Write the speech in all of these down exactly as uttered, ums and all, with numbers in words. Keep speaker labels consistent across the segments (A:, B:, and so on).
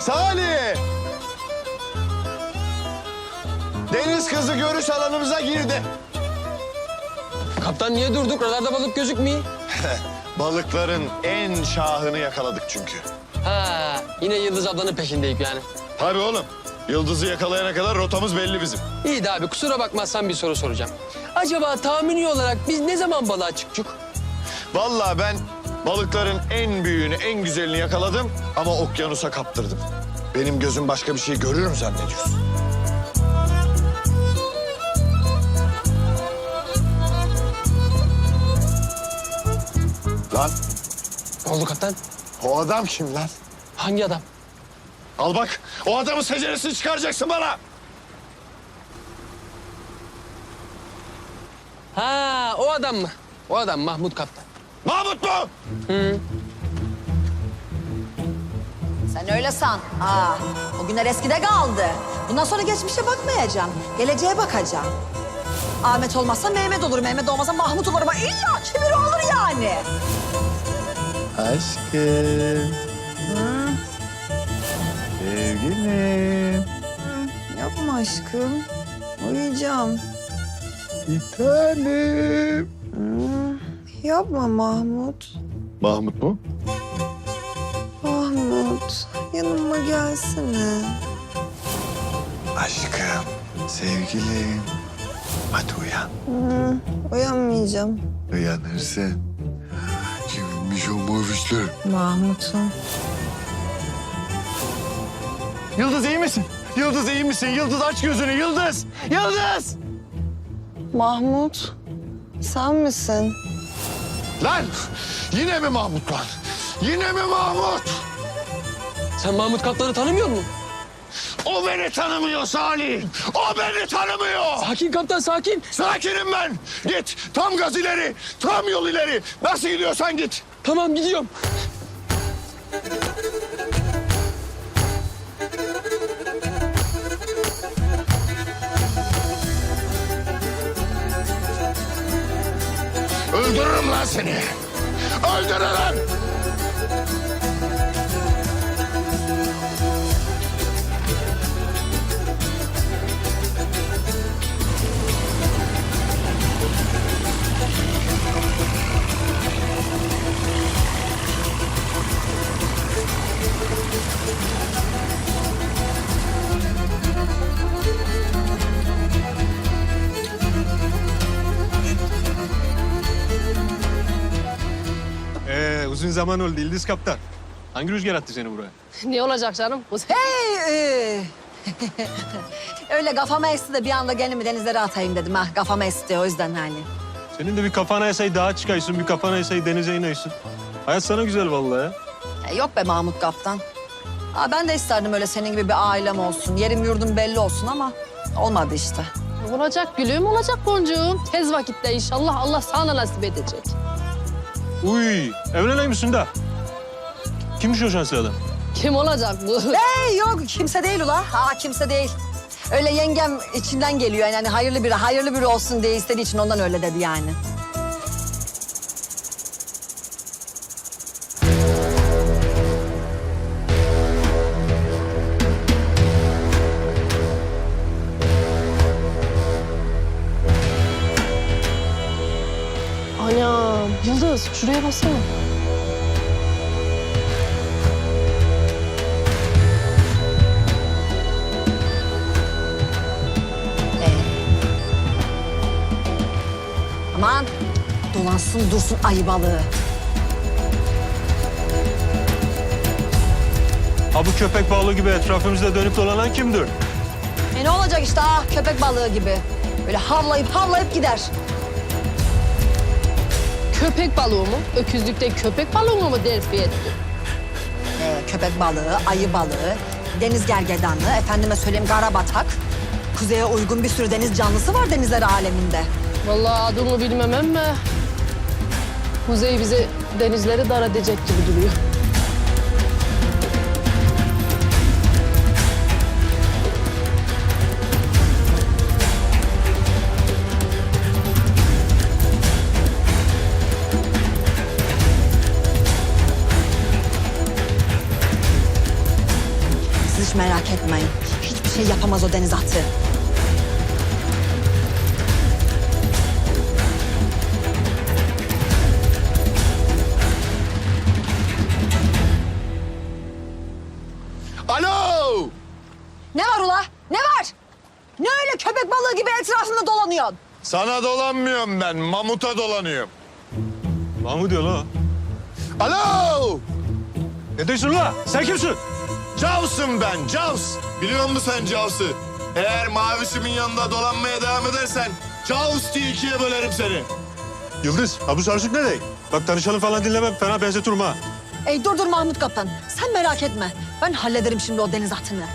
A: Salih! Deniz kızı görüş alanımıza girdi.
B: Kaptan niye durduk? Radarda balık gözükmüyor.
A: Balıkların en şahını yakaladık çünkü.
B: Ha, yine Yıldız ablanın peşindeyik yani.
A: Tabii oğlum. Yıldız'ı yakalayana kadar rotamız belli bizim.
B: İyi de abi kusura bakmazsan bir soru soracağım. Acaba tahmini olarak biz ne zaman balığa çıktık?
A: Vallahi ben balıkların en büyüğünü, en güzelini yakaladım ama okyanusa kaptırdım. Benim gözüm başka bir şey görür mü zannediyorsun? Lan
B: Ne oldu kaptan?
A: o adam kim lan?
B: Hangi adam?
A: Al bak, o adamın seceresini çıkaracaksın bana.
B: Ha, o adam mı? O adam Mahmut kaptan.
A: Mahmut mu?
B: Hı.
C: Sen öyle san. Aa, o günler eskide kaldı. Bundan sonra geçmişe bakmayacağım. Geleceğe bakacağım. Ahmet olmazsa Mehmet olur. Mehmet olmazsa Mahmut olur. Ama illa ki biri olur yani.
A: Aşkım. Sevgilim.
C: Yapma aşkım. Uyuyacağım.
A: Bir tanem.
C: Yapma Mahmut.
A: Mahmut mu?
C: Mahmut, yanıma gelsene.
A: Aşkım, sevgilim. Hadi uyan.
C: Hı, uyanmayacağım.
A: Uyanırsın. Kimmiş o mavişler?
C: Mahmut'um.
A: Yıldız iyi misin? Yıldız iyi misin? Yıldız aç gözünü, Yıldız! Yıldız!
C: Mahmut, sen misin?
A: Lan! Yine mi Mahmut lan? Yine mi Mahmut?
B: Sen Mahmut kaptanı tanımıyor musun?
A: O beni tanımıyor Salih. O beni tanımıyor.
B: Sakin kaptan, sakin.
A: Sakinim ben. Git. Tam gaz ileri. Tam yol ileri. Nasıl gidiyorsan git.
B: Tamam, gidiyorum.
A: Öldürürüm lan seni. Öldürürüm.
D: Ee, uzun zaman oldu Yıldız Kaptan. Hangi rüzgar attı seni buraya?
E: Ne olacak canım? Bu
C: Hey! e. Öyle kafama esti de bir anda kendimi denizlere atayım dedim ha. Kafama esti o yüzden hani.
D: Senin de bir kafana esey dağa çıkaysın, bir kafana esey denize ineysın. Hayat sana güzel vallahi ya.
C: E, yok be Mahmut Kaptan. Ha, ben de isterdim öyle senin gibi bir ailem olsun. Yerim yurdum belli olsun ama olmadı işte.
E: olacak gülüm, olacak boncuğum. Tez vakitte inşallah Allah sana nasip edecek.
D: Uy, evleney misin de? Kimmiş o şanslı adam?
E: Kim olacak bu?
C: Hey yok kimse değil ula. Ha kimse değil. Öyle yengem içinden geliyor yani hani hayırlı biri, hayırlı biri olsun diye istediği için ondan öyle dedi yani.
E: Anam, Yıldız şuraya baksana.
C: Aman dolansın dursun ayı balığı.
D: Ha bu köpek balığı gibi etrafımızda dönüp dolanan kimdir?
C: E ne olacak işte ha köpek balığı gibi. Böyle havlayıp havlayıp gider.
E: Köpek balığı mı? Öküzlükte köpek balığı mı terfi etti?
C: Ee, köpek balığı, ayı balığı, deniz gergedanı, efendime söyleyeyim karabatak. Kuzeye uygun bir sürü deniz canlısı var denizler aleminde.
E: Vallahi adını bilmem ama... Kuzey bize denizleri dar edecek gibi duruyor.
C: Hiç merak etmeyin. Hiçbir şey yapamaz o deniz atı.
A: Alo!
C: Ne var ula? Ne var? Ne öyle köpek balığı gibi etrafında dolanıyorsun?
A: Sana dolanmıyorum ben, mamuta dolanıyorum.
D: Mahmut diyor la.
A: Alo!
D: Ne diyorsun la? Sen kimsin?
A: Cavs'ım ben, Cavs. Biliyor musun sen Cavs'ı? Eğer mavişimin yanında dolanmaya devam edersen Caus diye ikiye bölerim seni.
D: Yıldız, ha bu sarsık ne değil? Bak tanışalım falan dinlemem, fena benzetirim ha.
C: Ey dur dur Mahmut Kaptan. Sen merak etme. Ben hallederim şimdi o deniz atını.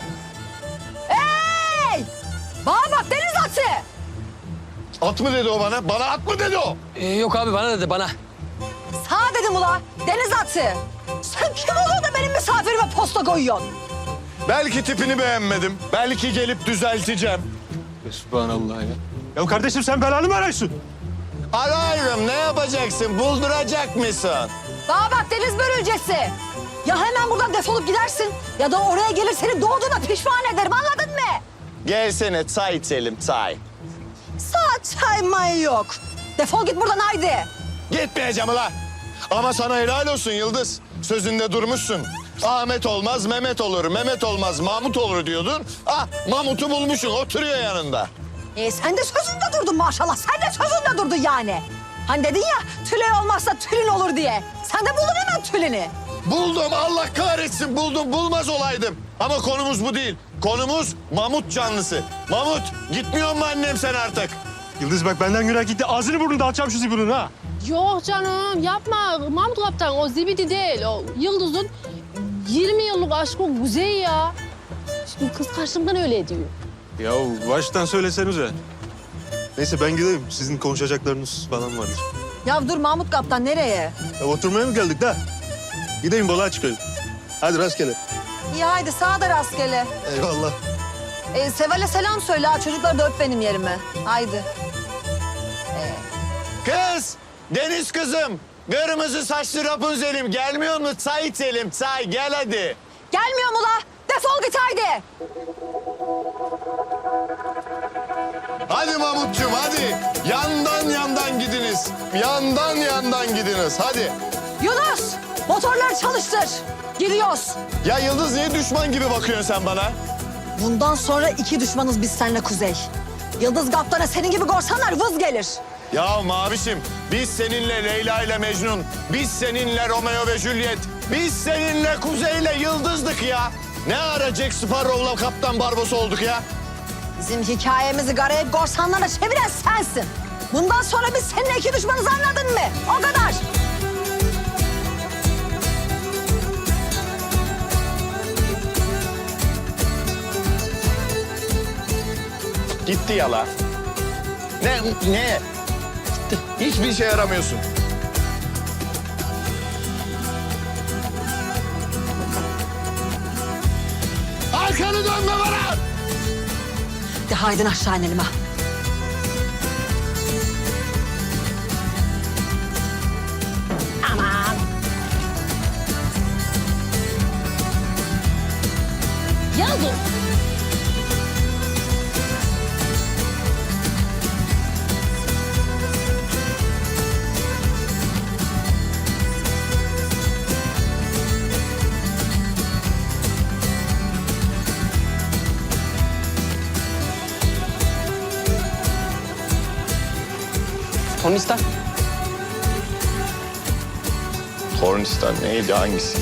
C: Hey! Bana bak deniz atı!
A: At mı dedi o bana? Bana at mı dedi o?
B: Ee, yok abi bana dedi bana.
C: Sağ dedim ula. Deniz atı. Sen kim oluyor da benim misafirime posta koyuyorsun?
A: Belki tipini beğenmedim. Belki gelip düzelteceğim.
D: Subhanallah ya. Ya kardeşim sen belanı mı arıyorsun?
A: Ararım, ne yapacaksın? Bulduracak mısın?
C: Bana bak deniz börülcesi. Ya hemen buradan defolup gidersin ya da oraya gelir seni doğduğuna pişman ederim, anladın mı?
A: Gelsene çay içelim, çay.
C: Saat çaymayı yok. Defol git buradan haydi.
A: Gitmeyeceğim ulan. Ama sana helal olsun Yıldız. Sözünde durmuşsun. Ahmet olmaz Mehmet olur, Mehmet olmaz Mahmut olur diyordun. Ah, Mahmut'u bulmuşsun, oturuyor yanında.
C: E sen de sözünde durdun maşallah. Sen de sözünde durdun yani. Hani dedin ya tülin olmazsa tülin olur diye. Sen de buldun hemen tülini.
A: Buldum, Allah kahretsin buldum, bulmaz olaydım. Ama konumuz bu değil. Konumuz Mamut canlısı. Mamut, gitmiyor mu annem sen artık?
D: Yıldız bak benden günah gitti. Ağzını burnunu dağıtacağım şu zibunun ha.
E: Yok canım yapma Mahmut Kaptan o zibidi değil. O Yıldız'ın yirmi yıllık aşkı Kuzey ya. Şimdi kız karşımdan öyle diyor.
D: Ya baştan söylesenize. Neyse ben gideyim. Sizin konuşacaklarınız falan vardır.
C: Ya dur Mahmut Kaptan nereye?
D: Ya oturmaya mı geldik de? Gideyim balığa çıkayım. Hadi rastgele.
C: İyi haydi sağa da rastgele.
D: Eyvallah.
C: E, Seval'e selam söyle ha. Çocuklar da öp benim yerime. Haydi.
A: Kız, Deniz kızım. Kırmızı saçlı Rapunzel'im gelmiyor mu? Çay içelim, çay. Gel hadi.
C: Gelmiyorum ula. Defol git haydi.
A: Hadi Mahmutcuğum, hadi. Yandan yandan gidiniz. Yandan yandan gidiniz, hadi.
C: Yunus motorları çalıştır. Giriyoruz.
A: Ya Yıldız, niye düşman gibi bakıyorsun sen bana?
C: Bundan sonra iki düşmanız biz seninle Kuzey. Yıldız Kaptan'a senin gibi korsanlar vız gelir.
A: Ya Mavişim, biz seninle Leyla ile Mecnun, biz seninle Romeo ve Juliet, biz seninle Kuzey'le Yıldız'dık ya. Ne ara Jack Sparrow'la Kaptan Barbosa olduk ya?
C: Bizim hikayemizi garayıp korsanlara çeviren sensin. Bundan sonra biz seninle iki düşmanız, anladın mı? O kadar.
A: Gitti yala. Ne, ne? Hiçbir işe yaramıyorsun. Arkanı dönme bana!
C: De haydi aşağı inelim ha. Aman.
E: Yazın.
B: Tornistan.
A: Tornistan neydi, hangisi?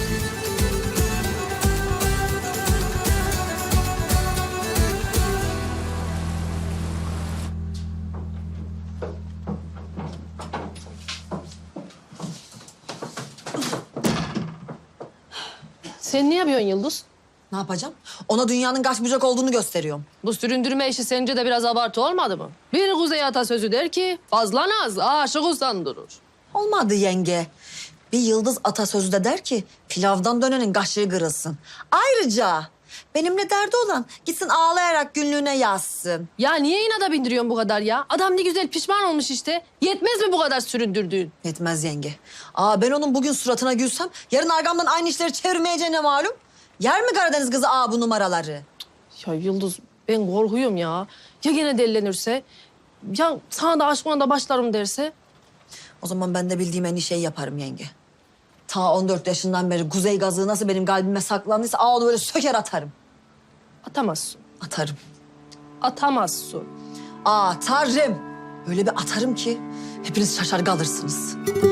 E: Sen ne yapıyorsun Yıldız?
C: Ne yapacağım? Ona dünyanın kaç bucak olduğunu gösteriyorum.
E: Bu süründürme işi sence de biraz abartı olmadı mı? Bir Kuzey atasözü der ki fazla naz aşık usandırır.
C: Olmadı yenge. Bir Yıldız atasözü de der ki pilavdan dönenin kaşığı kırılsın. Ayrıca benimle derdi olan gitsin ağlayarak günlüğüne yazsın.
E: Ya niye inada bindiriyorsun bu kadar ya? Adam ne güzel pişman olmuş işte. Yetmez mi bu kadar süründürdüğün?
C: Yetmez yenge. Aa ben onun bugün suratına gülsem yarın arkamdan aynı işleri çevirmeyeceğine malum. Yer mi Karadeniz kızı aa bu numaraları?
E: Ya Yıldız ben korkuyorum ya. Ya gene delilenirse? Ya sana da aşkına da başlarım derse?
C: O zaman ben de bildiğim en iyi şeyi yaparım yenge. Ta on dört yaşından beri kuzey gazı nasıl benim kalbime saklandıysa aa onu böyle söker atarım.
E: Atamazsın.
C: Atarım.
E: Atamazsın.
C: Atarım. Öyle bir atarım ki hepiniz şaşar kalırsınız.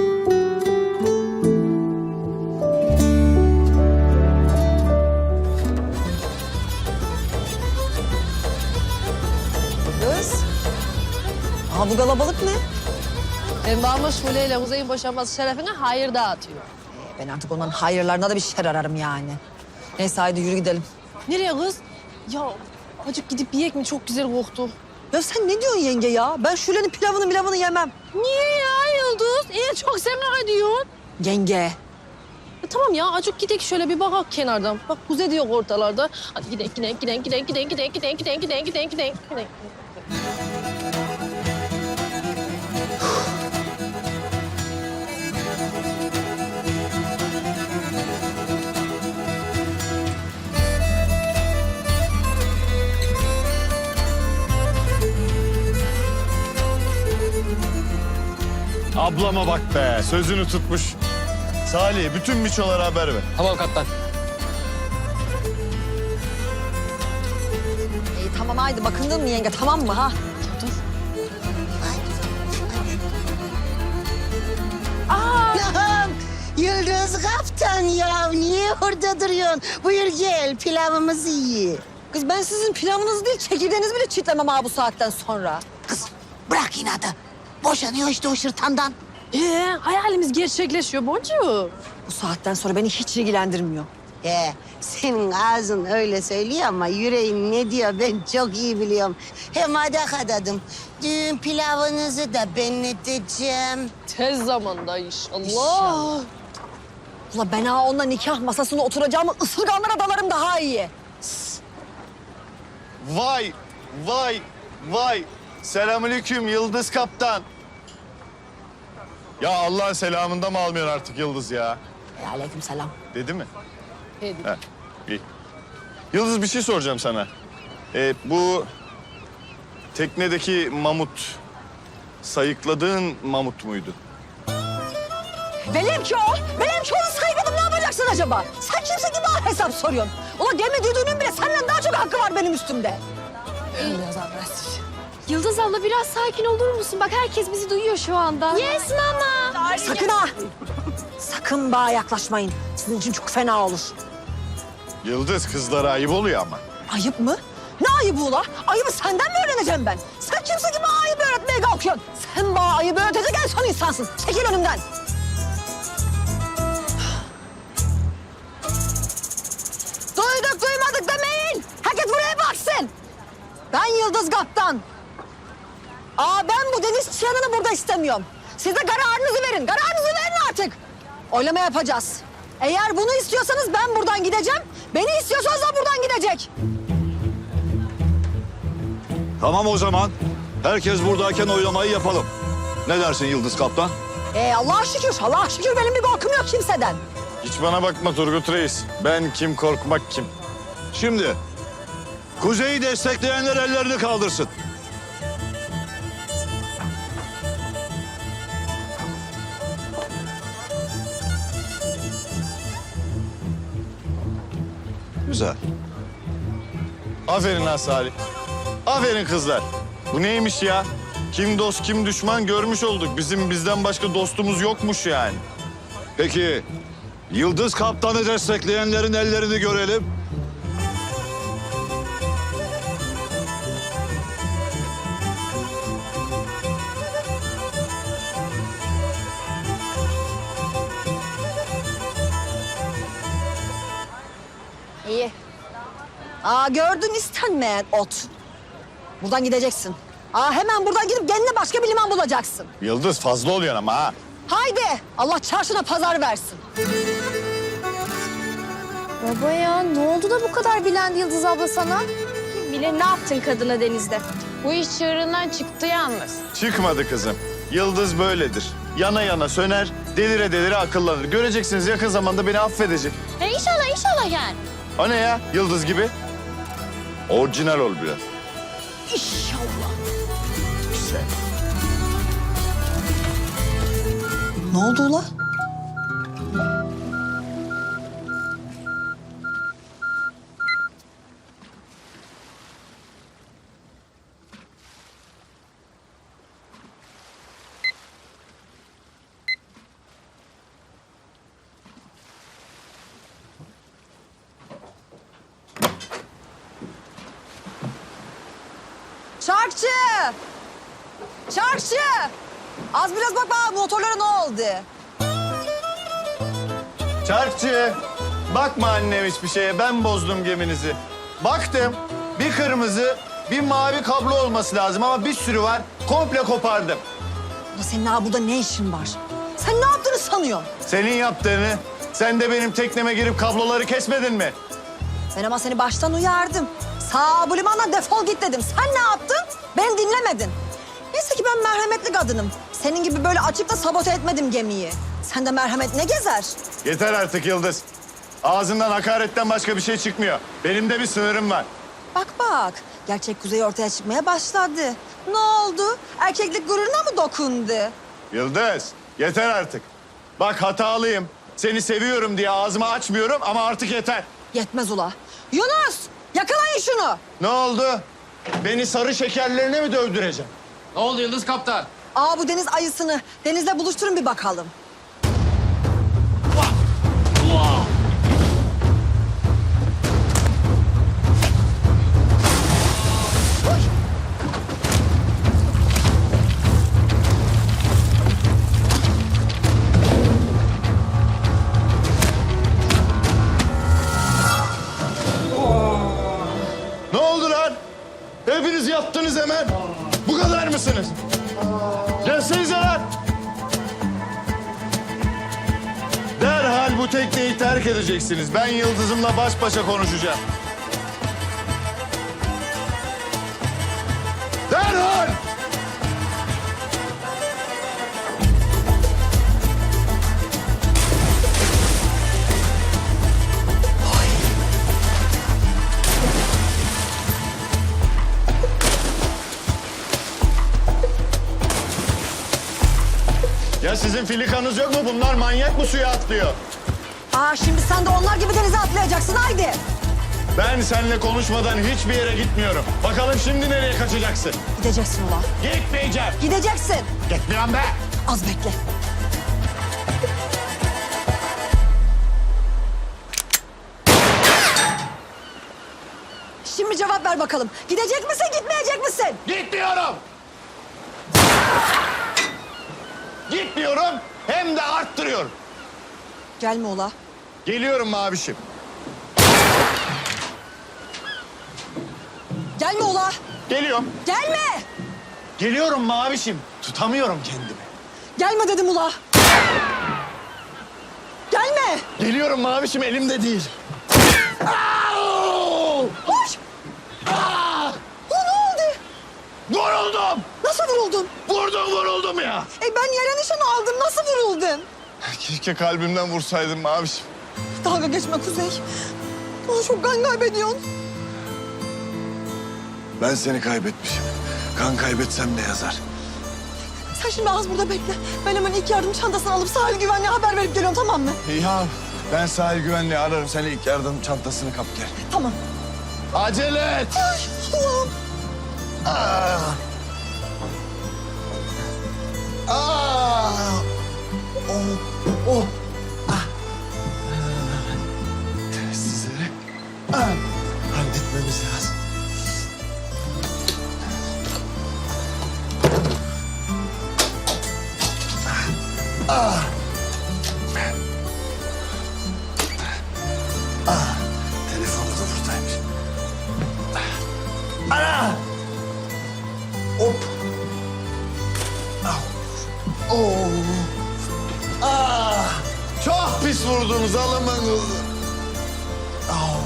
C: Kız. Aa bu kalabalık ne?
E: Ben varmış Şule ile Kuzey'in boşanması şerefine hayır dağıtıyor.
C: Ben artık onların hayırlarına da bir şer ararım yani. Neyse haydi yürü gidelim.
E: Nereye kız? Ya acık gidip yiyek mi? Çok güzel koktu.
C: Ya sen ne diyorsun yenge ya? Ben Şule'nin pilavını milavını yemem.
E: Niye ya Yıldız? İyi çok sen ediyorsun.
C: Yenge.
E: E, tamam ya acık gidelim şöyle bir bakak kenardan. Bak Kuzey diyor ortalarda. Hadi gidelim gidelim gidelim gidelim gidelim gidelim gidelim gidelim gidelim gidelim gidelim gidelim.
A: Ablama bak be, sözünü tutmuş. Salih, bütün miçolara haber ver.
B: Tamam kaptan.
C: İyi tamam haydi bakındın mı yenge tamam mı ha?
E: Dur.
F: Allah'ım, Yıldız Kaptan ya niye orada duruyorsun? Buyur gel pilavımızı ye.
C: Kız ben sizin pilavınızı değil çekirdeğinizi bile çitlemem ha bu saatten sonra.
F: Kız bırak inadı. Boşanıyor işte o şırtandan.
E: Ee, hayalimiz gerçekleşiyor Boncuğum.
C: Bu saatten sonra beni hiç ilgilendirmiyor.
F: He, senin ağzın öyle söylüyor ama yüreğin ne diyor ben çok iyi biliyorum. Hem adak adadım. Düğün pilavınızı da ben edeceğim.
E: Tez zamanda inşallah.
C: İnşallah. Ula ben ha onunla nikah masasına oturacağımı ısırganlara dalarım daha iyi.
A: Vay, vay, vay. Selamünaleyküm Yıldız Kaptan. Ya Allah'ın selamında mı almıyorsun artık Yıldız ya?
C: E, aleyküm selam.
A: Dedi mi?
E: Hadi.
A: He, iyi. Yıldız bir şey soracağım sana. Ee, bu teknedeki mamut, sayıkladığın mamut muydu?
C: Benimki o. Benimki onu saymadım ne yapacaksın acaba? Sen kimse gibi bana hesap soruyorsun. Ula gemi düdüğünün bile senden daha çok hakkı var benim üstümde. Biraz agresif.
G: Yıldız abla biraz sakin olur musun? Bak herkes bizi duyuyor şu anda. Yes mama.
C: Sakın ha. Sakın bana yaklaşmayın. Sizin için çok fena olur.
A: Yıldız kızlara ayıp oluyor ama.
C: Ayıp mı? Ne ayıbı ula? Ayıbı senden mi öğreneceğim ben? Sen kimse gibi bana ayıbı öğretmeye kalkıyorsun. Sen bana ayıbı öğretecek en son insansın. Çekil önümden. Duyduk duymadık demeyin. Herkes buraya baksın. Ben Yıldız Kaptan. Aa ben bu deniz çıyanını burada istemiyorum. Siz de kararınızı verin. Kararınızı verin artık. Oylama yapacağız. Eğer bunu istiyorsanız ben buradan gideceğim. Beni istiyorsanız da buradan gidecek.
H: Tamam o zaman. Herkes buradayken oylamayı yapalım. Ne dersin Yıldız Kaptan?
C: Ee, Allah'a şükür, Allah'a şükür benim bir korkum yok kimseden.
A: Hiç bana bakma Turgut Reis. Ben kim korkmak kim?
H: Şimdi Kuzey'i destekleyenler ellerini kaldırsın. Güzel.
A: Aferin ha Salih. Aferin kızlar. Bu neymiş ya? Kim dost kim düşman görmüş olduk. Bizim bizden başka dostumuz yokmuş yani.
H: Peki Yıldız Kaptan'ı destekleyenlerin ellerini görelim.
C: İyi. Aa gördün istenmeyen ot. Buradan gideceksin. Aa hemen buradan gidip kendine başka bir liman bulacaksın.
A: Yıldız fazla oluyor ama ha.
C: Haydi Allah çarşına pazar versin.
G: Baba ya ne oldu da bu kadar bilendi Yıldız abla sana? Bile ne yaptın kadına denizde?
I: Bu iş çığırından çıktı yalnız.
A: Çıkmadı kızım. Yıldız böyledir. Yana yana söner, delire delire akıllanır. Göreceksiniz yakın zamanda beni affedecek.
I: E inşallah inşallah yani.
A: O ne ya? Yıldız gibi.
H: Orijinal ol biraz.
C: İnşallah.
A: Güzel.
C: Ne oldu ula? Çarkçı! Çarkçı! Az biraz bak bak motorlara ne oldu?
A: Çarkçı, bakma annem hiçbir şeye. Ben bozdum geminizi. Baktım, bir kırmızı, bir mavi kablo olması lazım ama bir sürü var. Komple kopardım.
C: Ulan senin ha burada ne işin var? Sen ne yaptığını sanıyorsun?
A: Senin yaptığını, sen de benim tekneme girip kabloları kesmedin mi?
C: Ben ama seni baştan uyardım. Sağ bu limandan defol git dedim. Sen ne yaptın? Beni dinlemedin. Neyse ki ben merhametli kadınım. Senin gibi böyle açıp da sabote etmedim gemiyi. Sen de merhamet ne gezer?
A: Yeter artık Yıldız. Ağzından hakaretten başka bir şey çıkmıyor. Benim de bir sınırım var.
C: Bak bak, gerçek kuzey ortaya çıkmaya başladı. Ne oldu? Erkeklik gururuna mı dokundu?
A: Yıldız, yeter artık. Bak hatalıyım. Seni seviyorum diye ağzımı açmıyorum ama artık yeter.
C: Yetmez ula. Yunus, yakalayın şunu.
A: Ne oldu? Beni sarı şekerlerine mi dövdüreceğim?
B: Ne oldu Yıldız Kaptan?
C: Aa bu deniz ayısını denizle buluşturun bir bakalım.
A: Ne oldu lan? Hepiniz yattınız hemen. Bu kadar mısınız? Gelsenize lan. Derhal bu tekneyi terk edeceksiniz. Ben Yıldız'ımla baş başa konuşacağım. Derhal! Ya sizin filikanız yok mu? Bunlar manyak mı suya atlıyor?
C: Aa şimdi sen de onlar gibi denize atlayacaksın haydi.
A: Ben seninle konuşmadan hiçbir yere gitmiyorum. Bakalım şimdi nereye kaçacaksın?
C: Gideceksin ula.
A: Gitmeyeceğim.
C: Gideceksin.
A: Gitmiyorum be.
C: Az bekle. Şimdi cevap ver bakalım. Gidecek misin, gitmeyecek misin?
A: Gitmiyorum. Gitmiyorum hem de arttırıyorum.
C: Gelme ula.
A: Geliyorum mavişim.
C: Gelme ula.
A: Geliyorum.
C: Gelme.
A: Geliyorum mavişim. Tutamıyorum kendimi.
C: Gelme dedim ula. Gelme.
A: Geliyorum mavişim elimde değil.
C: Koş. Aa, ne oldu?
A: Vuruldum.
C: Nasıl vuruldun?
A: Vurdum vuruldum ya.
C: E ben yere nişan aldım. Nasıl vuruldun?
A: Keşke kalbimden vursaydım mavişim.
C: Dalga geçme Kuzey. Aa, çok kan kaybediyorsun.
A: Ben seni kaybetmişim. Kan kaybetsem ne yazar?
C: Sen şimdi az burada bekle. Ben hemen ilk yardım çantasını alıp sahil güvenliğe haber verip geliyorum tamam mı?
A: Ya ben sahil güvenliği ararım. Sen ilk yardım çantasını kap gel.
C: Tamam.
A: Acele et.
C: Ay Allah'ım.
A: Ah. Ah. Oh. Oh. Ah. Sizleri ah. halletmemiz lazım. Ah. Ah. Telefonu da buradaymış. Ana! Hop! Au! Oo! Ah! Çok pis vurdunuz alamanız. Au!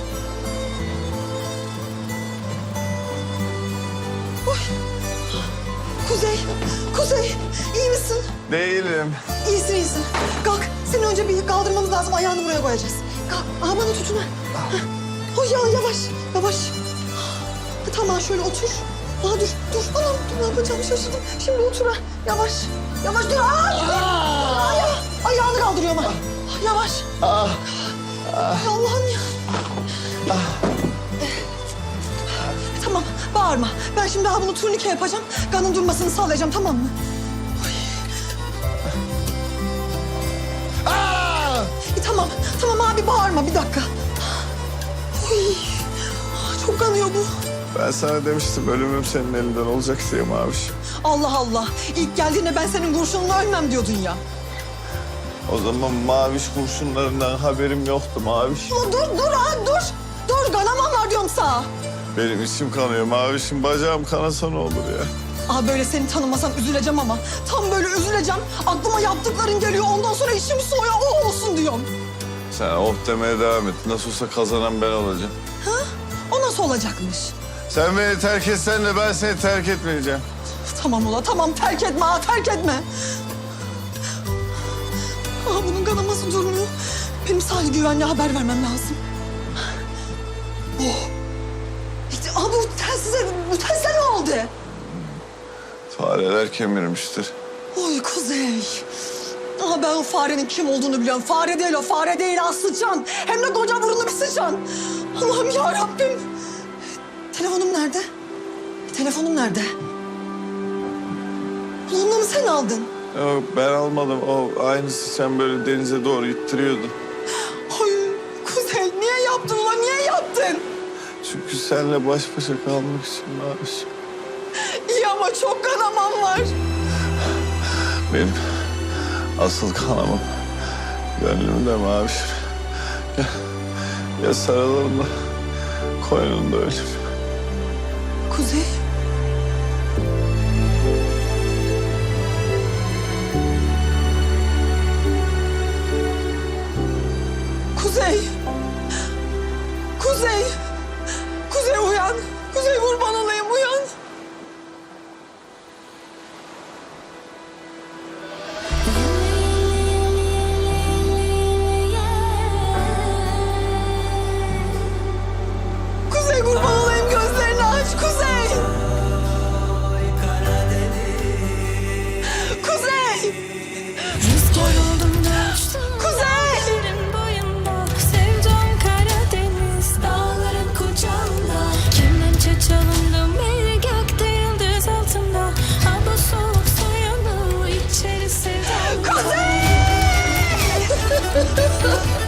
C: Kuzey, Kuzey iyi misin?
A: Değilim.
C: İyisin iyisin. Kalk seni önce bir kaldırmamız lazım ayağını buraya koyacağız. Aa, bana tutun ha. Oh ya yavaş, yavaş. Tamam şöyle otur. Aa dur, dur. Anam dur ne yapacağımı şaşırdım. Şimdi otur ha. Yavaş, yavaş dur. Aa, Aya, ayağını kaldırıyorum ha. Yavaş.
A: Ah,
C: Ay Allah'ım ya. Tamam, bağırma. Ben şimdi daha bunu turnike yapacağım. Kanın durmasını sağlayacağım, tamam mı?
A: ah!
C: E, tamam, tamam abi bağırma bir dakika. Oy, çok kanıyor bu.
A: Ben sana demiştim ölümüm senin elinden olacak diye Maviş.
C: Allah Allah. İlk geldiğinde ben senin kurşunla ölmem diyordun ya.
A: O zaman Maviş kurşunlarından haberim yoktu Maviş.
C: Ulan dur, dur ha, dur. Dur, kanamam var diyorum sana.
A: Benim içim kanıyor Maviş'im. Bacağım kanasa ne olur ya.
C: Aa böyle seni tanımasam üzüleceğim ama tam böyle üzüleceğim. Aklıma yaptıkların geliyor. Ondan sonra işim soğuyor. O olsun diyorum.
A: Sen oh demeye devam et. Nasıl olsa kazanan ben olacağım.
C: Ha? O nasıl olacakmış?
A: Sen beni terk etsen de ben seni terk etmeyeceğim.
C: Tamam ula tamam terk etme ha terk etme. Aa bunun kanaması durmuyor. Benim sahil güvenliğe haber vermem lazım. Oh. İşte, aa bu telsize, bu telsize ne oldu?
A: Fareler kemirmiştir.
C: Oy Kuzey. Aa ben o farenin kim olduğunu biliyorum. Fare değil o, fare değil ha sıçan. Hem de koca burunlu bir sıçan. Allah'ım ya Rabbim. Telefonum nerede? Telefonum nerede? Ulan onu mu sen aldın?
A: Yok ben almadım. O aynısı sen böyle denize doğru ittiriyordu.
C: Ay Kuzey niye yaptın ulan niye yaptın?
A: Çünkü seninle baş başa kalmak için Maviş.
C: İyi ama çok kanamam var.
A: Benim asıl kanamam gönlümde Maviş. Gel, gel sarılalım da koynunda ölüm.
C: Kuzey. Kuzey. Kuzey. Kuzey uyan. Kuzey kurban olayım uyan. Kuzey kurban olayım gözlerini aç Kuzey. Kuzey.
J: Rüzgar oldum da uçtum
C: Kuzey.
J: dağların boyunda. Sevdam Karadeniz dağların kucağında. Kemençe çalındım bir gökte yıldız altında. Ha bu soğuk soyanı içeri sevdam.
C: Kuzey!